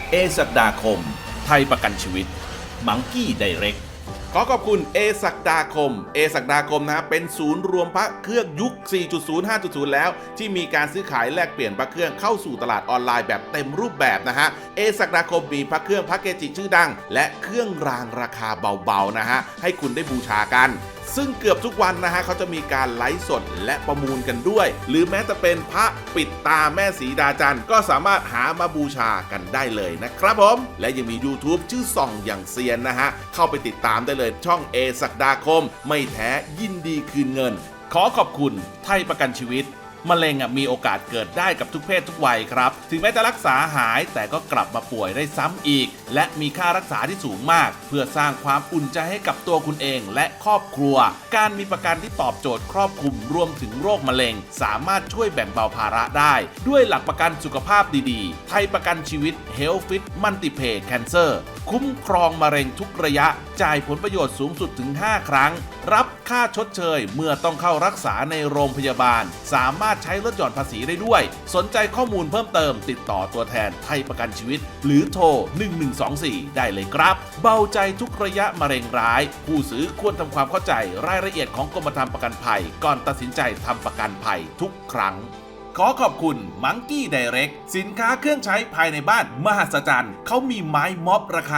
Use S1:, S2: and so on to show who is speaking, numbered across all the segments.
S1: ศักดาคมไทยประกันชีวิตมังกี้ไดเรกขอขอบคุณศักดาคมศักดาคมนะเป็นศูนย์รวมพระเครื่องยุค 4.0 5.0 แล้วที่มีการซื้อขายแลกเปลี่ยนพระเครื่องเข้าสู่ตลาดออนไลน์แบบเต็มรูปแบบนะฮะศักดาคมมีพระเครื่องพระเกจิชื่อดังและเครื่องรางราคาเบาๆนะฮะให้คุณได้บูชากันซึ่งเกือบทุกวันนะฮะเขาจะมีการไลฟ์สดและประมูลกันด้วยหรือแม้แต่เป็นพระปิดตาแม่สีดาจันทร์ก็สามารถหามาบูชากันได้เลยนะครับผมและยังมี YouTube ชื่อส่องอย่างเซียนนะฮะเข้าไปติดตามได้เลยช่องศักดาคมไม่แท้ยินดีคืนเงินขอขอบคุณไทยประกันชีวิตมะเร็งมีโอกาสเกิดได้กับทุกเพศทุกวัยครับถึงแม้จะรักษาหายแต่ก็กลับมาป่วยได้ซ้ำอีกและมีค่ารักษาที่สูงมากเพื่อสร้างความอุ่นใจให้กับตัวคุณเองและครอบครัวการมีประกันที่ตอบโจทย์ครอบคลุมรวมถึงโรคมะเร็งสามารถช่วยแบ่งเบาภาระได้ด้วยหลักประกันสุขภาพดีๆไทยประกันชีวิต Health Fit Multipay Cancer คุ้มครองมะเร็งทุกระยะจ่ายผลประโยชน์สูงสุดถึง5ครั้งรับค่าชดเชยเมื่อต้องเข้ารักษาในโรงพยาบาลสามารถใช้ลดหย่อนภาษีได้ด้วยสนใจข้อมูลเพิ่มเติมติดต่อตัวแทนไทยประกันชีวิตหรือโทร1124ได้เลยครับเบาใจทุกระยะมะเร็งร้ายผู้ซื้อควรทำความเข้าใจรายละเอียดของกรมธรรม์ประกันภัยก่อนตัดสินใจทำประกันภัยทุกครั้งขอขอบคุณมังกี้ไดเรกสินค้าเครื่องใช้ภายในบ้านมหัศจรรย์เขามีไม้ม็อบราคา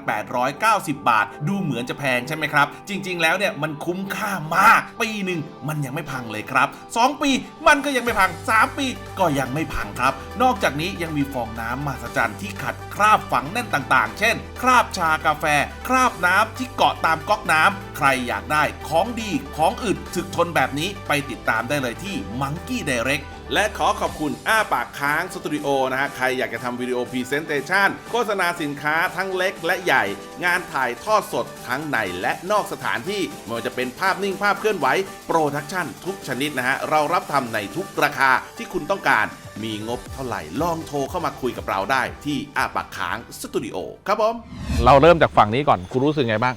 S1: 1,890 บาทดูเหมือนจะแพงใช่ไหมครับจริงๆแล้วเนี่ยมันคุ้มค่ามากปีหนึ่งมันยังไม่พังเลยครับ2ปีมันก็ยังไม่พัง3ปีก็ยังไม่พังครับนอกจากนี้ยังมีฟองน้ำมหัศจรรย์ที่ขัดคราบฝังแน่นต่างๆเช่นคราบชากาแฟคราบน้ำที่เกาะตามก๊อกน้ำใครอยากได้ของดีของอึดถึกทนแบบนี้ไปติดตามได้เลยที่มังกี้ไดเรกและขอขอบคุณอ้าปากค้างสตูดิโอนะฮะใครอยากจะทำวิดีโอพรีเซนเตชันโฆษณาสินค้าทั้งเล็กและใหญ่งานถ่ายทอดสดทั้งในและนอกสถานที่ไม่ว่าจะเป็นภาพนิ่งภาพเคลื่อนไหวโปรดักชั่นทุกชนิดนะฮะเรารับทำในทุกราคาที่คุณต้องการมีงบเท่าไหร่ลองโทรเข้ามาคุยกับเราได้ที่อ้าปากค้างสตูดิโอครับผม
S2: เราเริ่มจากฝั่งนี้ก่อนคุณรู้สึกไงบ้าง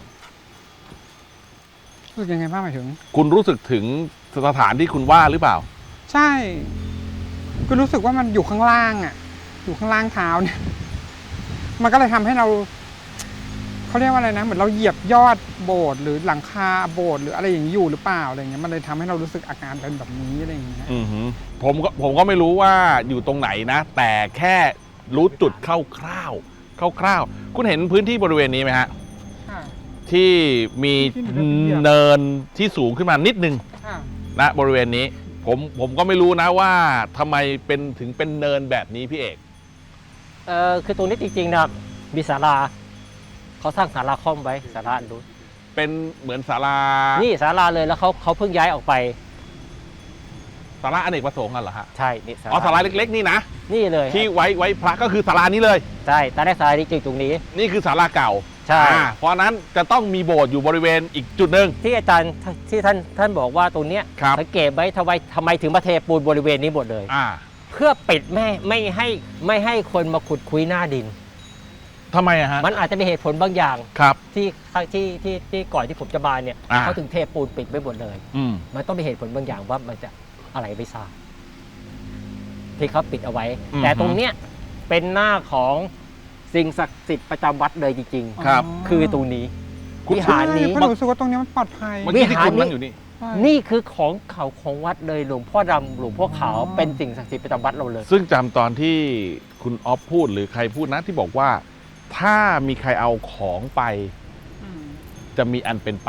S3: รู้สึกยังไงบ้างหมายถึง
S2: คุณรู้สึกถึงสถานที่คุณว่าหรือเปล่า
S3: ใช่ก็รู้สึกว่ามันอยู่ข้างล่างอ่ะอยู่ข้างล่างเท้าเนี่ยมันก็เลยทำให้เราเขาเรียกว่าอะไรนะเหมือนเราเหยียบยอดโบสถ์หรือหลังคาโบสถ์หรืออะไรอย่างนี้อยู่หรือเปล่าอะไรเงี้ยมันเลยทำให้เรารู้สึกอาการเป็นแบบนี้อะไรอย่างเงี้ย
S2: ผมก็ไม่รู้ว่าอยู่ตรงไหนนะแต่แค่รู้จุดคร่าวๆคุณเห็นพื้นที่บริเวณนี้ไหมฮะที่มีเนินที่สูงขึ้นมานิดนึงนะบริเวณนี้ผมก็ไม่รู้นะว่าทำไมถึงเป็นเนินแบบนี้พี่เอก
S4: คือตรงนี้จริงๆนะมีศาลาเขาสร้างศาลาค่อมไว้ศาลาดู
S2: เป็นเหมือนศาลา
S4: นี่ศาลาเลยแล้วเขาเพิ่งย้ายออกไป
S2: ศาลาอเนกประสงค์กันเหรอฮะ
S4: ใช่นี่
S2: ศาลาเล็กๆนี่นะ
S4: นี่เลย
S2: ที่ไว้พระก็คือศาลานี้เลย
S4: ใช่ตอนแรกศาลานี้จริงตรงนี้
S2: นี่คือศาลาเก่า
S4: ใช่
S2: เพราะนั้นจะต้องมีโบสถ์อยู่บริเวณอีกจุดหนึ่ง
S4: ที่อาจารย์ที่ท่านบอกว่าตรงเนี้ยสังเกตไว้ทำไมถึงมาเทปูนบริเวณนี้หมดเลยเพื่อปิดไม่ให้คนมาขุดคุยหน้าดิน
S2: ทำไมอะฮะ
S4: มันอาจจะมีเหตุผลบางอย่าง
S2: ครับ
S4: ที่ก่อนที่ผมจะมาเนี่ยเขาถึงเทปูนปิดไว้หมดเลยมันต้องมีเหตุผลบางอย่างว่ามันจะอะไรไม่ทราบที่เขาปิดเอาไว้แต่ตรงเนี้ยเป็นหน้าของสิ่งศักดิ์สิทธิ์ประจำวัดเลยจริง
S2: ๆครับ
S4: คือตรงนี้วิหารนี้
S3: ผมรู้สึกว่าตรงนี้มันปลอดภัย
S2: วิหารนี้อยู่
S4: นี่คือของเขาของวัดเลยหลวงพ่อดำหลวงพ่อขาวเป็นสิ่งศักดิ์สิทธิ์ประจำวัดเราเลย
S2: ซึ่งจำตอนที่คุณอ๊อฟพูดหรือใครพูดนะที่บอกว่าถ้ามีใครเอาของไปจะมีอันเป็นไป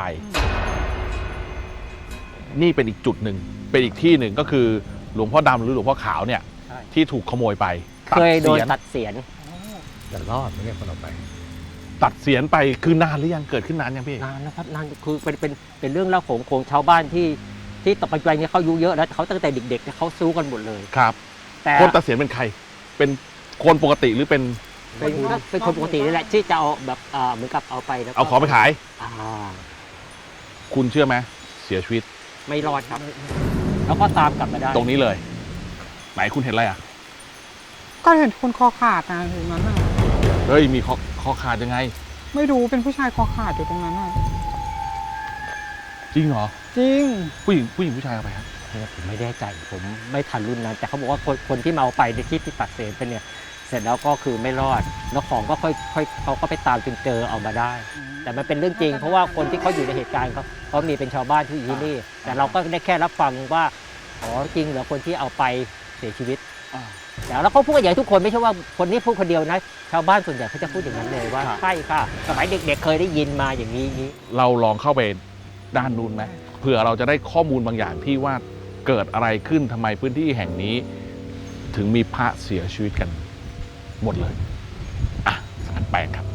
S2: นี่เป็นอีกจุดหนึ่งเป็นอีกที่หนึ่งก็คือหลวงพ่อดำหรือหลวงพ่อขาวเนี่ยที่ถูกขโมยไป
S4: เคยโดนตัดเสียน
S5: แต่รอดไม่ใช่คนเอาไป
S2: ตัดเสียนไปคือนานหรือยังเกิดขึ้นนานยังพี่
S4: นานนะครับนานคือเป็นเรื่องเล่าของชาวบ้านที่ต่อไปเนี่ยเขาอายุเยอะแล้วเขาตั้งแต่เด็กๆเขาสู้กันหมดเลย
S2: ครับแต่คนตัดเสียนเป็นใครเป็นคนปกติหรือเป็น
S4: คนปกตินี่แหละที่จะเอาแบบเหมือนกับเอาไปแล้ว
S2: เอาของไปขายคุณเชื่อไหมเสียชีวิต
S4: ไม่รอดครับแล้วก็ตามกลับมาได้
S2: ตรงนี้เลยไหนคุณเห็นอะไรอ่ะ
S3: ก็เห็นคนคอขาดนะอยู่นั้นน่ะ
S2: เฮ้ยมีคอขาดยังไง
S3: ไม่รู้เป็นผู้ชายคอขาดอยู่ตรงนั้นน่ะ
S2: จริงเหรอ
S3: จริง
S2: ผู้หญิงผู้ชายเอาไปครับ
S4: เนี่ยผมไม่แน่ใจผมไม่ทันรุ่นนั้นแต่เขาบอกว่าคนที่มาเอาไปในที่ตัดเศษเป็นเนี่ยเสร็จแล้วก็คือไม่รอดแล้วของก็ค่อยเขาก็ไปตามจนเจอเอามาได้ แต่มันเป็นเรื่องจริงเพราะว่าคนที่เขาอยู่ในเหตุการณ์เขามีเป็นชาวบ้านที่อยู่ที่นี่แต่เราก็ได้แค่รับฟังว่าอ๋อจริงเหรอคนที่เอาไปเสียชีวิตแต่แล้วเขาพูดกันอย่างทุกคนไม่ใช่ว่าคนนี้พูดคนเดียวนะชาวบ้านส่วนใหญ่เขาจะพูดอย่างนั้นเลยว่าใช่ค่ะสมัยเด็กๆเคยได้ยินมาอย่างนี้
S2: เราลองเข้าไปด้านนู้นไหมเผื่อเราจะได้ข้อมูลบางอย่างที่ว่าเกิดอะไรขึ้นทำไมพื้นที่แห่งนี้ ถึงมีพระเสียชีวิตกันหมดเลยอ่ะสารแปลงครับ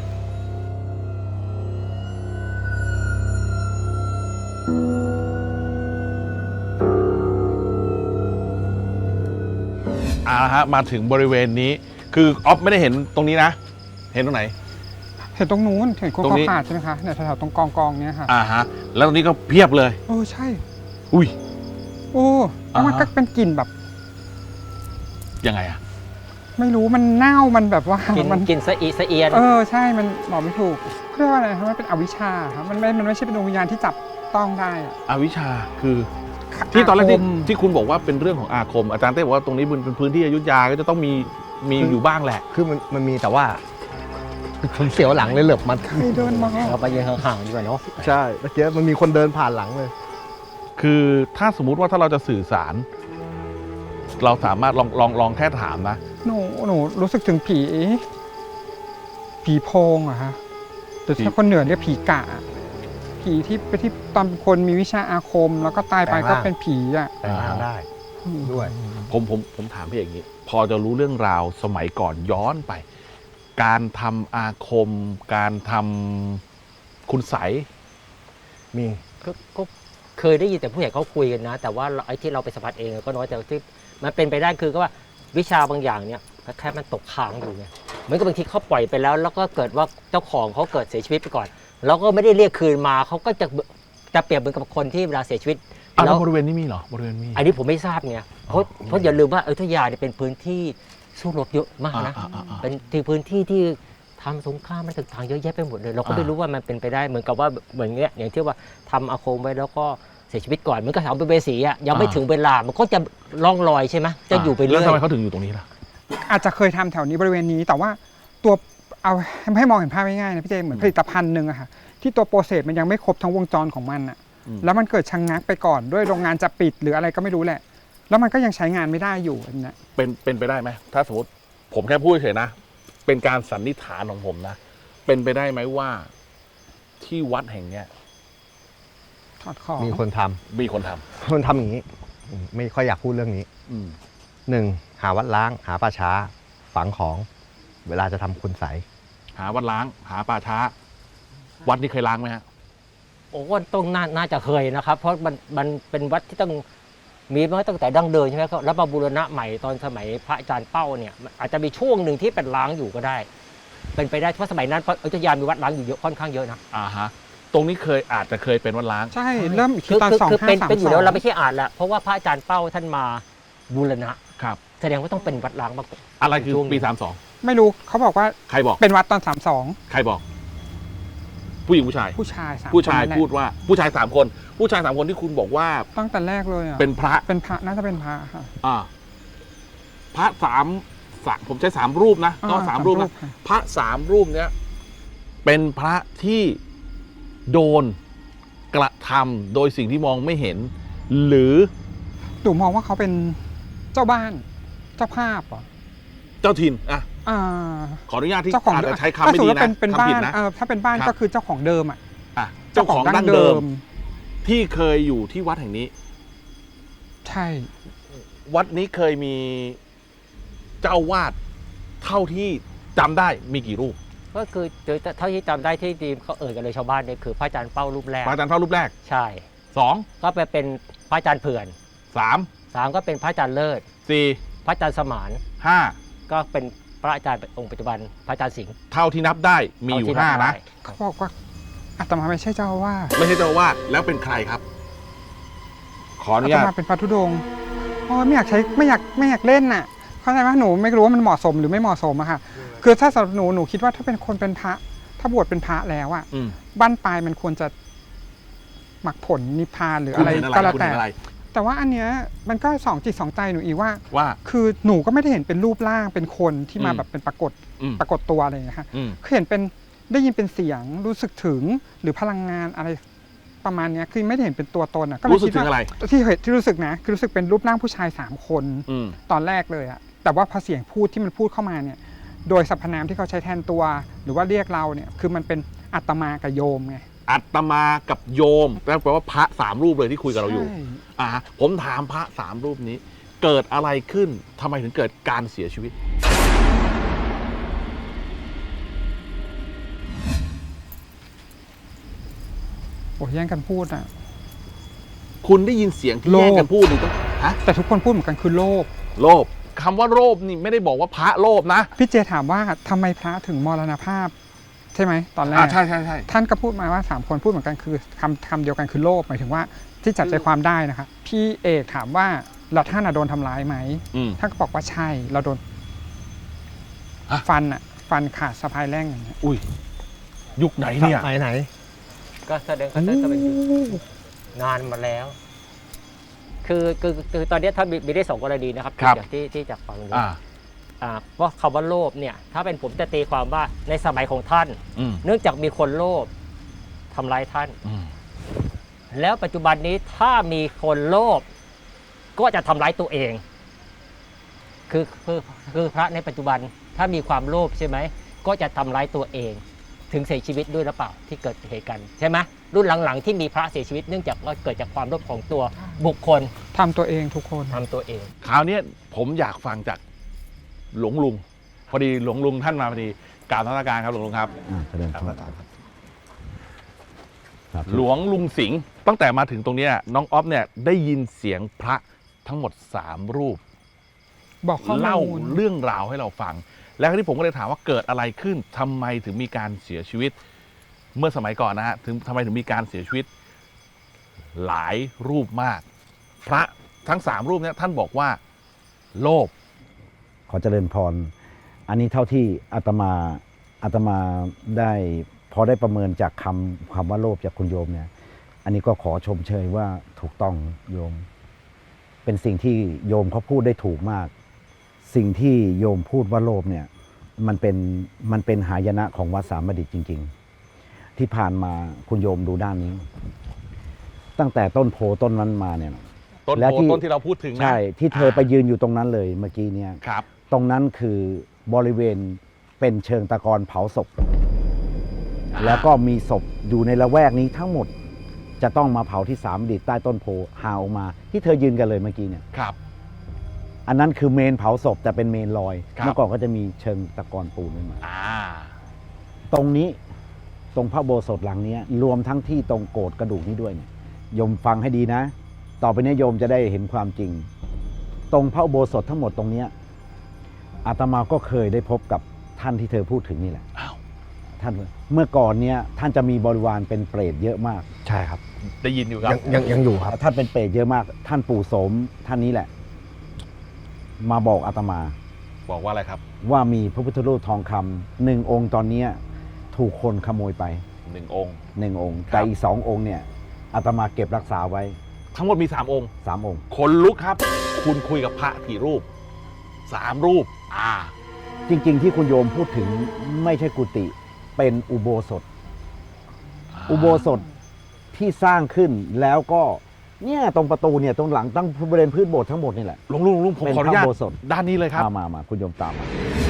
S2: ฮะมาถึงบริเวณนี้คือออฟไม่ได้เห็นตรงนี้นะ เห็นตรงไหน
S3: เห็นตรงนู้นเห็นคน
S2: ตรง
S3: เขา
S2: นี้
S3: ขาดใช่ไหมคะเนี่ยแถวๆตรงกองเนี่ยค่ะ
S2: ฮะแล้วตรงนี้ก็เพียบเลย
S3: ใช่
S2: อุ้ย
S3: แล้วมันก็เป็นกลิ่นแบบ
S2: ยังไงอะ
S3: ไม่รู้มันเน่ามันแบบว่า
S4: กินสะเอียน
S3: ใช่มันบอกไม่ถูกเรียกว่าอะไรครับมันเป็นอวิชชาครับมันไม่ใช่เป็นดวงวิญญาณที่จับต้องได้อะ
S2: อวิชชาคือที่ตอนแรกที่คุณบอกว่าเป็นเรื่องของอาคมอาจารย์เต้บอกว่าตรงนี้เป็นพื้นที่อยุธยาก็จะต้องมีอยู่บ้างแหละ
S5: คือมันมีแต่ว่าผมเสียวหลังเลยเหลือบมัน
S3: ใครเดินมา
S4: เราไปยืนห่างๆดีกว่าเนาะ
S5: ใช่เมื่อกี้มันมีคนเดินผ่านหลังเลย
S2: คือถ้าสมมุติว่าถ้าเราจะสื่อสาร เราสามารถลองแค่ถามนะ
S3: หนูรู้สึกถึงผีโพงอะฮะแต่ถ้าคนเหนือเรียกผีกะผีที่ตอนคนมีวิชาอาคม แล้วก็ตายไปก็เป็นผีอะ
S5: แต่งร่างได้ด้วย
S2: ผมถามพี่อย่างนี้ พอจะรู้เรื่องราวสมัยก่อนย้อนไป การทำอาคม การทำคุณไสย
S5: มี
S4: ก็เคยได้ยินแต่ผู้ใหญ่เขาคุยกันนะ แต่ว่าไอ้ที่เราไปสัมผัสเองก็น้อยแต่ที่มันเป็นไปได้คือก็ว่าวิชาบางอย่างเนี่ยแค่มันตกค้างอยู่ไงเหมือนกับบางทีเขาปล่อยไปแล้วก็เกิดว่าเจ้าของเขาเกิดเสียชีวิตไปก่อนแล้วก็ไม่ได้เรียกคืนมาเขาก็จะเปรียบเหมือนกับคนที่เวลาเสียชีวิต
S2: แล้วบริเวณนี้มีเหรอบริเวณมี
S4: อันนี้ผมไม่ทราบไงเพราะอย่าลืมว่าอยุธยาเนี่ยเป็นพื้นที่สู้รบเยอะมากนะเป็นที่พื้นที่ที่ทำสงครามมันต่างๆเยอะแยะไปหมดเลยเราก็ไม่รู้ว่ามันเป็นไปได้เหมือนกับว่าเหมือนเงี้ยอย่างที่ว่าทำอาคมไว้แล้วก็เสียชีวิตก่อนเหมือนกับสัมภเวสีอ่ะยังไม่ถึงเวลามันก็จะล่องลอยใช่ไหมจะอยู่ไปเรื่อย
S2: แล้วทำไมเขาถึงอยู่ตรงนี้ล่ะ
S3: อาจจะเคยทำแถวนี้บริเวณนี้แต่ว่าตัวเอาให้มองเห็นภาพง่ายๆนะพี่เจเหมือนผลิตภัณฑ์หนึ่งอะค่ะที่ตัวโปรเซสมันยังไม่ครบทั้งวงจรของมันอะแล้วมันเกิดชะงักไปก่อนด้วยโรงงานจะปิดหรืออะไรก็ไม่รู้แหละ แล้วมันก็ยังใช้งานไม่ได้อยู่อันนี้
S2: เป็นไปได้ไหมถ้าสมมติผมแค่พูดเฉยๆนะ เป็นการสันนิษฐานของผมนะ เป็นไปได้ไหมว่าที่วัดแห่งเนี้ย
S3: ถอดของ
S5: มีคนทำ
S2: มีคนท
S5: คนทำอย่างนี้ไม่ค่อยอยากพูดเรื่องนี้
S2: ำ
S5: หนึ่งหาวัดล้างหาป่าช้าฝังของ เวลาจะทำคุณใสย
S2: หาวัดล้าง หาป่าช้า วัดนี้เคยล้างไหมฮะ
S4: โอ้ต้องน่าจะเคยนะครับ เพราะมันเป็นวัดที่ต้องมีมาตั้งแต่ดั้งเดิมใช่ไหมครับแล้วมาบูรณะใหม่ตอนสมัยพระอาจารย์เป้าเนี่ยอาจจะมีช่วงหนึ่งที่เป็นล้างอยู่ก็ได้ เป็นไปได้เพราะสมัยนั้นอยุธยามีวัดล้างอยู่เยอะค่อนข้างเยอะนะ
S2: ตรงนี้อาจจะเคยเป็นวัดล้าง
S3: ใช่เริ่มอีกทีตอน
S4: คือเป็นอยู่แล้วเรา
S3: 2532
S4: ไม่ใช่อ่านละเพราะว่าพระอาจารย์เป้าท่านมาบูรณะ
S2: ครับ
S4: แสดงว่าต้องเป็นวัดล้างมากกว่า
S2: อะไรคือ
S4: ช่วง
S2: ปี
S3: ไม่รู้เขาบอกว่า
S2: 32 ใครบอก
S3: เป็นวัดตอน
S2: ใครบอก ผู้หญิงผู้ชาย
S3: 32ผู้ชาย3
S2: ผู้ชาย
S3: คนนั่นแหละ
S2: พูดว่า ผู้ชาย3 คน ผู้ชาย3 คนที่คุณบอกว่า
S3: ตั้งแต่แรกเลยอะ
S2: เป็นพระ
S3: เป็นพระน่าจะเป็นพระค่ะ
S2: พระสามผมใช้3 รูปนะต้อง3 รูปนะ
S3: ค่ะ
S2: พระ3 รูปเนี้ยเป็นพระที่โดนกระทำโดยสิ่งที่มองไม่เห็น หรือ
S3: หนูมองว่าเขาเป็นเจ้าบ้านเจ้าภาพเหรอ
S2: เจ้าถิ่นอ่ะ
S3: อ่า
S2: ขออนุญาตที่
S3: เจ้าของ
S2: อาจจะใช้คำ
S3: ถ้า
S2: ไม่
S3: สม
S2: ดี
S3: มติว่า
S2: นะ
S3: เป็น
S2: คำ
S3: บ้า
S2: ผิด
S3: น
S2: นะ
S3: ถ้าเป็นบ้าน
S2: ครับ
S3: ก็คือเจ้าของเดิมอ่ะ
S2: เจ้าของดั้งเดิมที่เคยอยู่ที่วัดแห่งนี้
S3: ใช่
S2: วัดนี้เคยมีเจ้าวาดเท่าที่จำได้มีกี่รูป
S4: ก็คือเท่าที่จำได้ที่ดีเขากันเลยชาวบ้านเนี่ยคือพระอาจารย์เป้ารูปแรก
S2: พระอาจารย์เท่ารูปแรก
S4: ใช่
S2: 2
S4: ก็ไปเป็นพระอาจารย์เผื่อน
S2: 3
S4: 3ก็เป็นพระอาจารย์เลิศ
S2: 4
S4: พระอาจารย์สมาน
S2: 5
S4: ก็เป็นพระอาจารย์องค์ปัจจุบันพระอาจารย์สิงห์
S2: เท่าที่นับได้มีอยู่
S4: เท่ที่
S2: 5 นะ
S4: ได้
S3: เขาบอกว่าอาตมาไม่ใช่เจ้าอาว่าส
S2: ไม่ใช่เจ้าอาวาดแล้วเป็นใครครับ ขออนุ
S3: อาต
S2: ญาต
S3: มาเป็นพระธุดงค์โอ้ยไม่อยากใช้ไม่อยากเล่นน่ะเข้าใจไหมหนูไม่รู้ว่ามันเหมาะสมหรือไม่เหมาะสมอะค่ะคือถ้าสำหรับหนูคิดว่าถ้าเป็นคนเป็นพระถ้าบวชเป็นพระแล้วอะ
S2: อืม
S3: บ้านปลายมันควรจะหมักผลนิพพานหรือ
S2: คุณ
S3: อะไร
S2: เห็นอะไร
S3: ก็แล้ว
S2: คุณ
S3: แต่
S2: เห็นอะไร
S3: แต่แต่ว่าอันเนี้ยมันก็สองจิตสองใจหนูอีกว่า
S2: ว่า
S3: คือหนูก็ไม่ได้เห็นเป็นรูปร่างเป็นคนที่มา
S2: อืม
S3: แบบเป็นปรากฏ
S2: อืม
S3: ปรากฏตัวอะไรอย่างเงี้ยค่ะ
S2: อืม
S3: คือเห็นเป็นได้ยินเป็นเสียงรู้สึกถึงหรือพลังงานอะไรประมาณเนี้ยคือไม่ได้เห็นเป็นตัวตนอ่ะก็เลย
S2: รู้สึก
S3: คิด
S2: ถึง
S3: ว่า
S2: อะไร
S3: ที่เห็นที่รู้สึกนะคือรู้สึกเป็นรูปร่างผู้ชาย3คน
S2: อืม
S3: ตอนแรกเลยอะแต่ว่าพอเสียงพูดที่มันพูดเข้ามาเนี่ยโดยสรรพนามที่เขาใช้แทนตัว หรือว่าเรียกเราเนี่ยคือมันเป็นอัตมากับโยมไง
S2: อัตมากับโยมแปลว่าพระสามรูปเลยที่คุยกับเราอยู่
S3: ใช่
S2: ผมถามพระสามรูปนี้ เกิดอะไรขึ้นทำไมถึงเกิดการเสียชีวิต
S3: โอ้ยแย่งกันพูดอะ
S2: คุณได้ยินเสียงที่
S3: โลภ
S2: แย่งกันพูดนี่ต้องฮะ
S3: แต่ทุกคนพูดเหมือนกันคือโลภ
S2: โลภคำว่าโลภนี่ไม่ได้บอกว่าพระโลภนะ
S3: พี่เจถามว่าทำไมพระถึงมรณภาพ ใช่ไหมตอนแรก
S2: ใช่ใช่ใช่
S3: ท่านก็พูดมาว่า3คนพูดเหมือนกันคือคำเดียวกันคือโลภหมายถึงว่าที่จับใจความได้นะคะพี่เอกถามว่าเราท่านอะโดนทำร้ายไหม
S2: อืม
S3: ท่านก็บอกว่าใช่เราโดน
S2: ฮะ
S3: ฟันขาดสะพายแร่งอย่างเงี้ย
S2: อุ้ยยุคไหนเนี่ย
S5: ไหน
S4: ก็แสดงก็จะเป็นนานมาแล้ว คือตอนนี้ท่านมีได้2 กรณีนะครับ
S2: ครับ
S4: จากที่จากฟังดู
S2: อ่า
S4: ว่าคำว่าโลภเนี่ย ถ้าเป็นผมจะตีความว่าในสมัยของท่าน
S2: อืม
S4: เนื่องจากมีคนโลภทำร้ายท่าน
S2: อืม
S4: แล้วปัจจุบันนี้ถ้ามีคนโลภก็จะทำร้ายตัวเอง คือพระในปัจจุบันถ้ามีความโลภใช่ไหมก็จะทำร้ายตัวเอง ถึงเสียชีวิตด้วยหรือเปล่าที่เกิดเหตุการณ์ใช่ไหมรุ่นหลังๆที่มีพระเสียชีวิตเนื่องจากว่าเกิดจากความโลภของตัวบุคคล
S3: ทำตัวเองทุกคน
S4: ทำตัวเอง
S2: คราวนี้ผมอยากฟังจากหลวงลุง พอดีหลวงลุงท่านมาพอดีกราบนมัสการครับหลวงลุงครับ
S5: แสดงความครับ
S2: หลวงลุงสิงห์ตั้งแต่มาถึงตรงเนี้ยน้องอ๊อฟเนี่ยได้ยินเสียงพระทั้งหมด3รูป
S3: บอกข้อ
S2: เล่า
S3: มูล
S2: เรื่องราวให้เราฟัง แล้วที่ผมก็เลยถามว่าเกิดอะไรขึ้นทำไมถึงมีการเสียชีวิต เมื่อสมัยก่อนนะฮะทำไมถึงมีการเสียชีวิต หลายรูปมาก พระทั้ง3รูปเนี่ยท่านบอกว่า โลภ
S6: ขอเจริญพร อันนี้เท่าที่อาตมาได้พอได้ประเมินจากคำว่าโลภจากคุณโยมเนี่ย อันนี้ก็ขอชมเชยว่าถูกต้องโยม เป็นสิ่งที่โยมเขาพูดได้ถูกมาก สิ่งที่โยมพูดว่าโลภเนี่ยมันเป็นหายนะของวัดสามดิตจริง ๆ ที่ผ่านมาคุณโยมดูด้านนี้ ตั้งแต่ต้นโพต้นนั้นมาเนี่ย
S2: ต้น
S6: และ
S2: โพ
S6: ที่
S2: ต้นที่เราพูดถึงนะ
S6: ใช่ที่เธอไปยืนอยู่ตรงนั้นเลยเมื่อกี้เนี่ย
S2: ครับ
S6: ตรงนั้นคือบริเวณเป็นเชิงตะกอนเผาศพ แล้วก็มีศพอยู่ในละแวกนี้ทั้งหมดจะต้องมาเผาที่3ดิตใต้ต้นโพหาออกมา ที่เธอยืนกันเลยเมื่อกี้เนี่ย
S2: ครับ
S6: อันนั้นคือเมนเผาศพแต่เป็นเมนลอย
S2: ครับ
S6: เมื่อก่อนก็จะมีเชิงตะกอนปูนขึ้นมา
S2: อ่า
S6: ตรงนี้ตรงพระโบสถหลังนี้รวมทั้งที่ตรงโกรธกระดูกนี้ด้วยเนี่ยโยมฟังให้ดีนะ ต่อไปนี้โยมจะได้เห็นความจริง ตรงพระอุโบสถทั้งหมดตรงเนี้ยอาตมาก็เคยได้พบกับท่านที่เธอพูดถึงนี่แหละ
S2: อ้าว
S6: ท่านเมื่อก่อนเนี้ยท่านจะมีบริวารเป็นเปรตเยอะมาก
S5: ใช่ครับ
S2: ได้ยินอยู่ครับ
S5: ยังอยู่ครับ
S6: ท่านเป็นเปรตเยอะมาก ท่านปู่โสมท่านนี้แหละ มาบอกอาตมา
S2: บอกว่าอะไรครับ
S6: ว่ามีพระพุทธรูปทองคำ1 องค์ตอนเนี้ยถูกคนขโมยไป
S2: 1 องค์
S6: 1 องค์
S2: ครับ
S6: แต่อีก2 องค์เนี่ยอาตมาเก็บรักษาไว้
S2: ทั้งหมดมี3 องค์
S6: 3 องค์
S2: คนลุกครับ คุณคุยกับพระกี่รูป 3 รูป
S6: จริงๆที่คุณโยมพูดถึงไม่ใช่กุฏิเป็นอุโบสถ อุโบสถที่สร้างขึ้นแล้วก็เนี่ยตรงประตูเนี่ยตรงหลังตั้งบริเวณพื้นโบสถ์ทั้งหมดนี่แหละ
S2: ลุงผม
S6: เป็น
S2: ขออนุญาต
S6: พระอุโบสถ
S2: ด้านนี้เลยครับ
S6: มาคุณโยมตามมา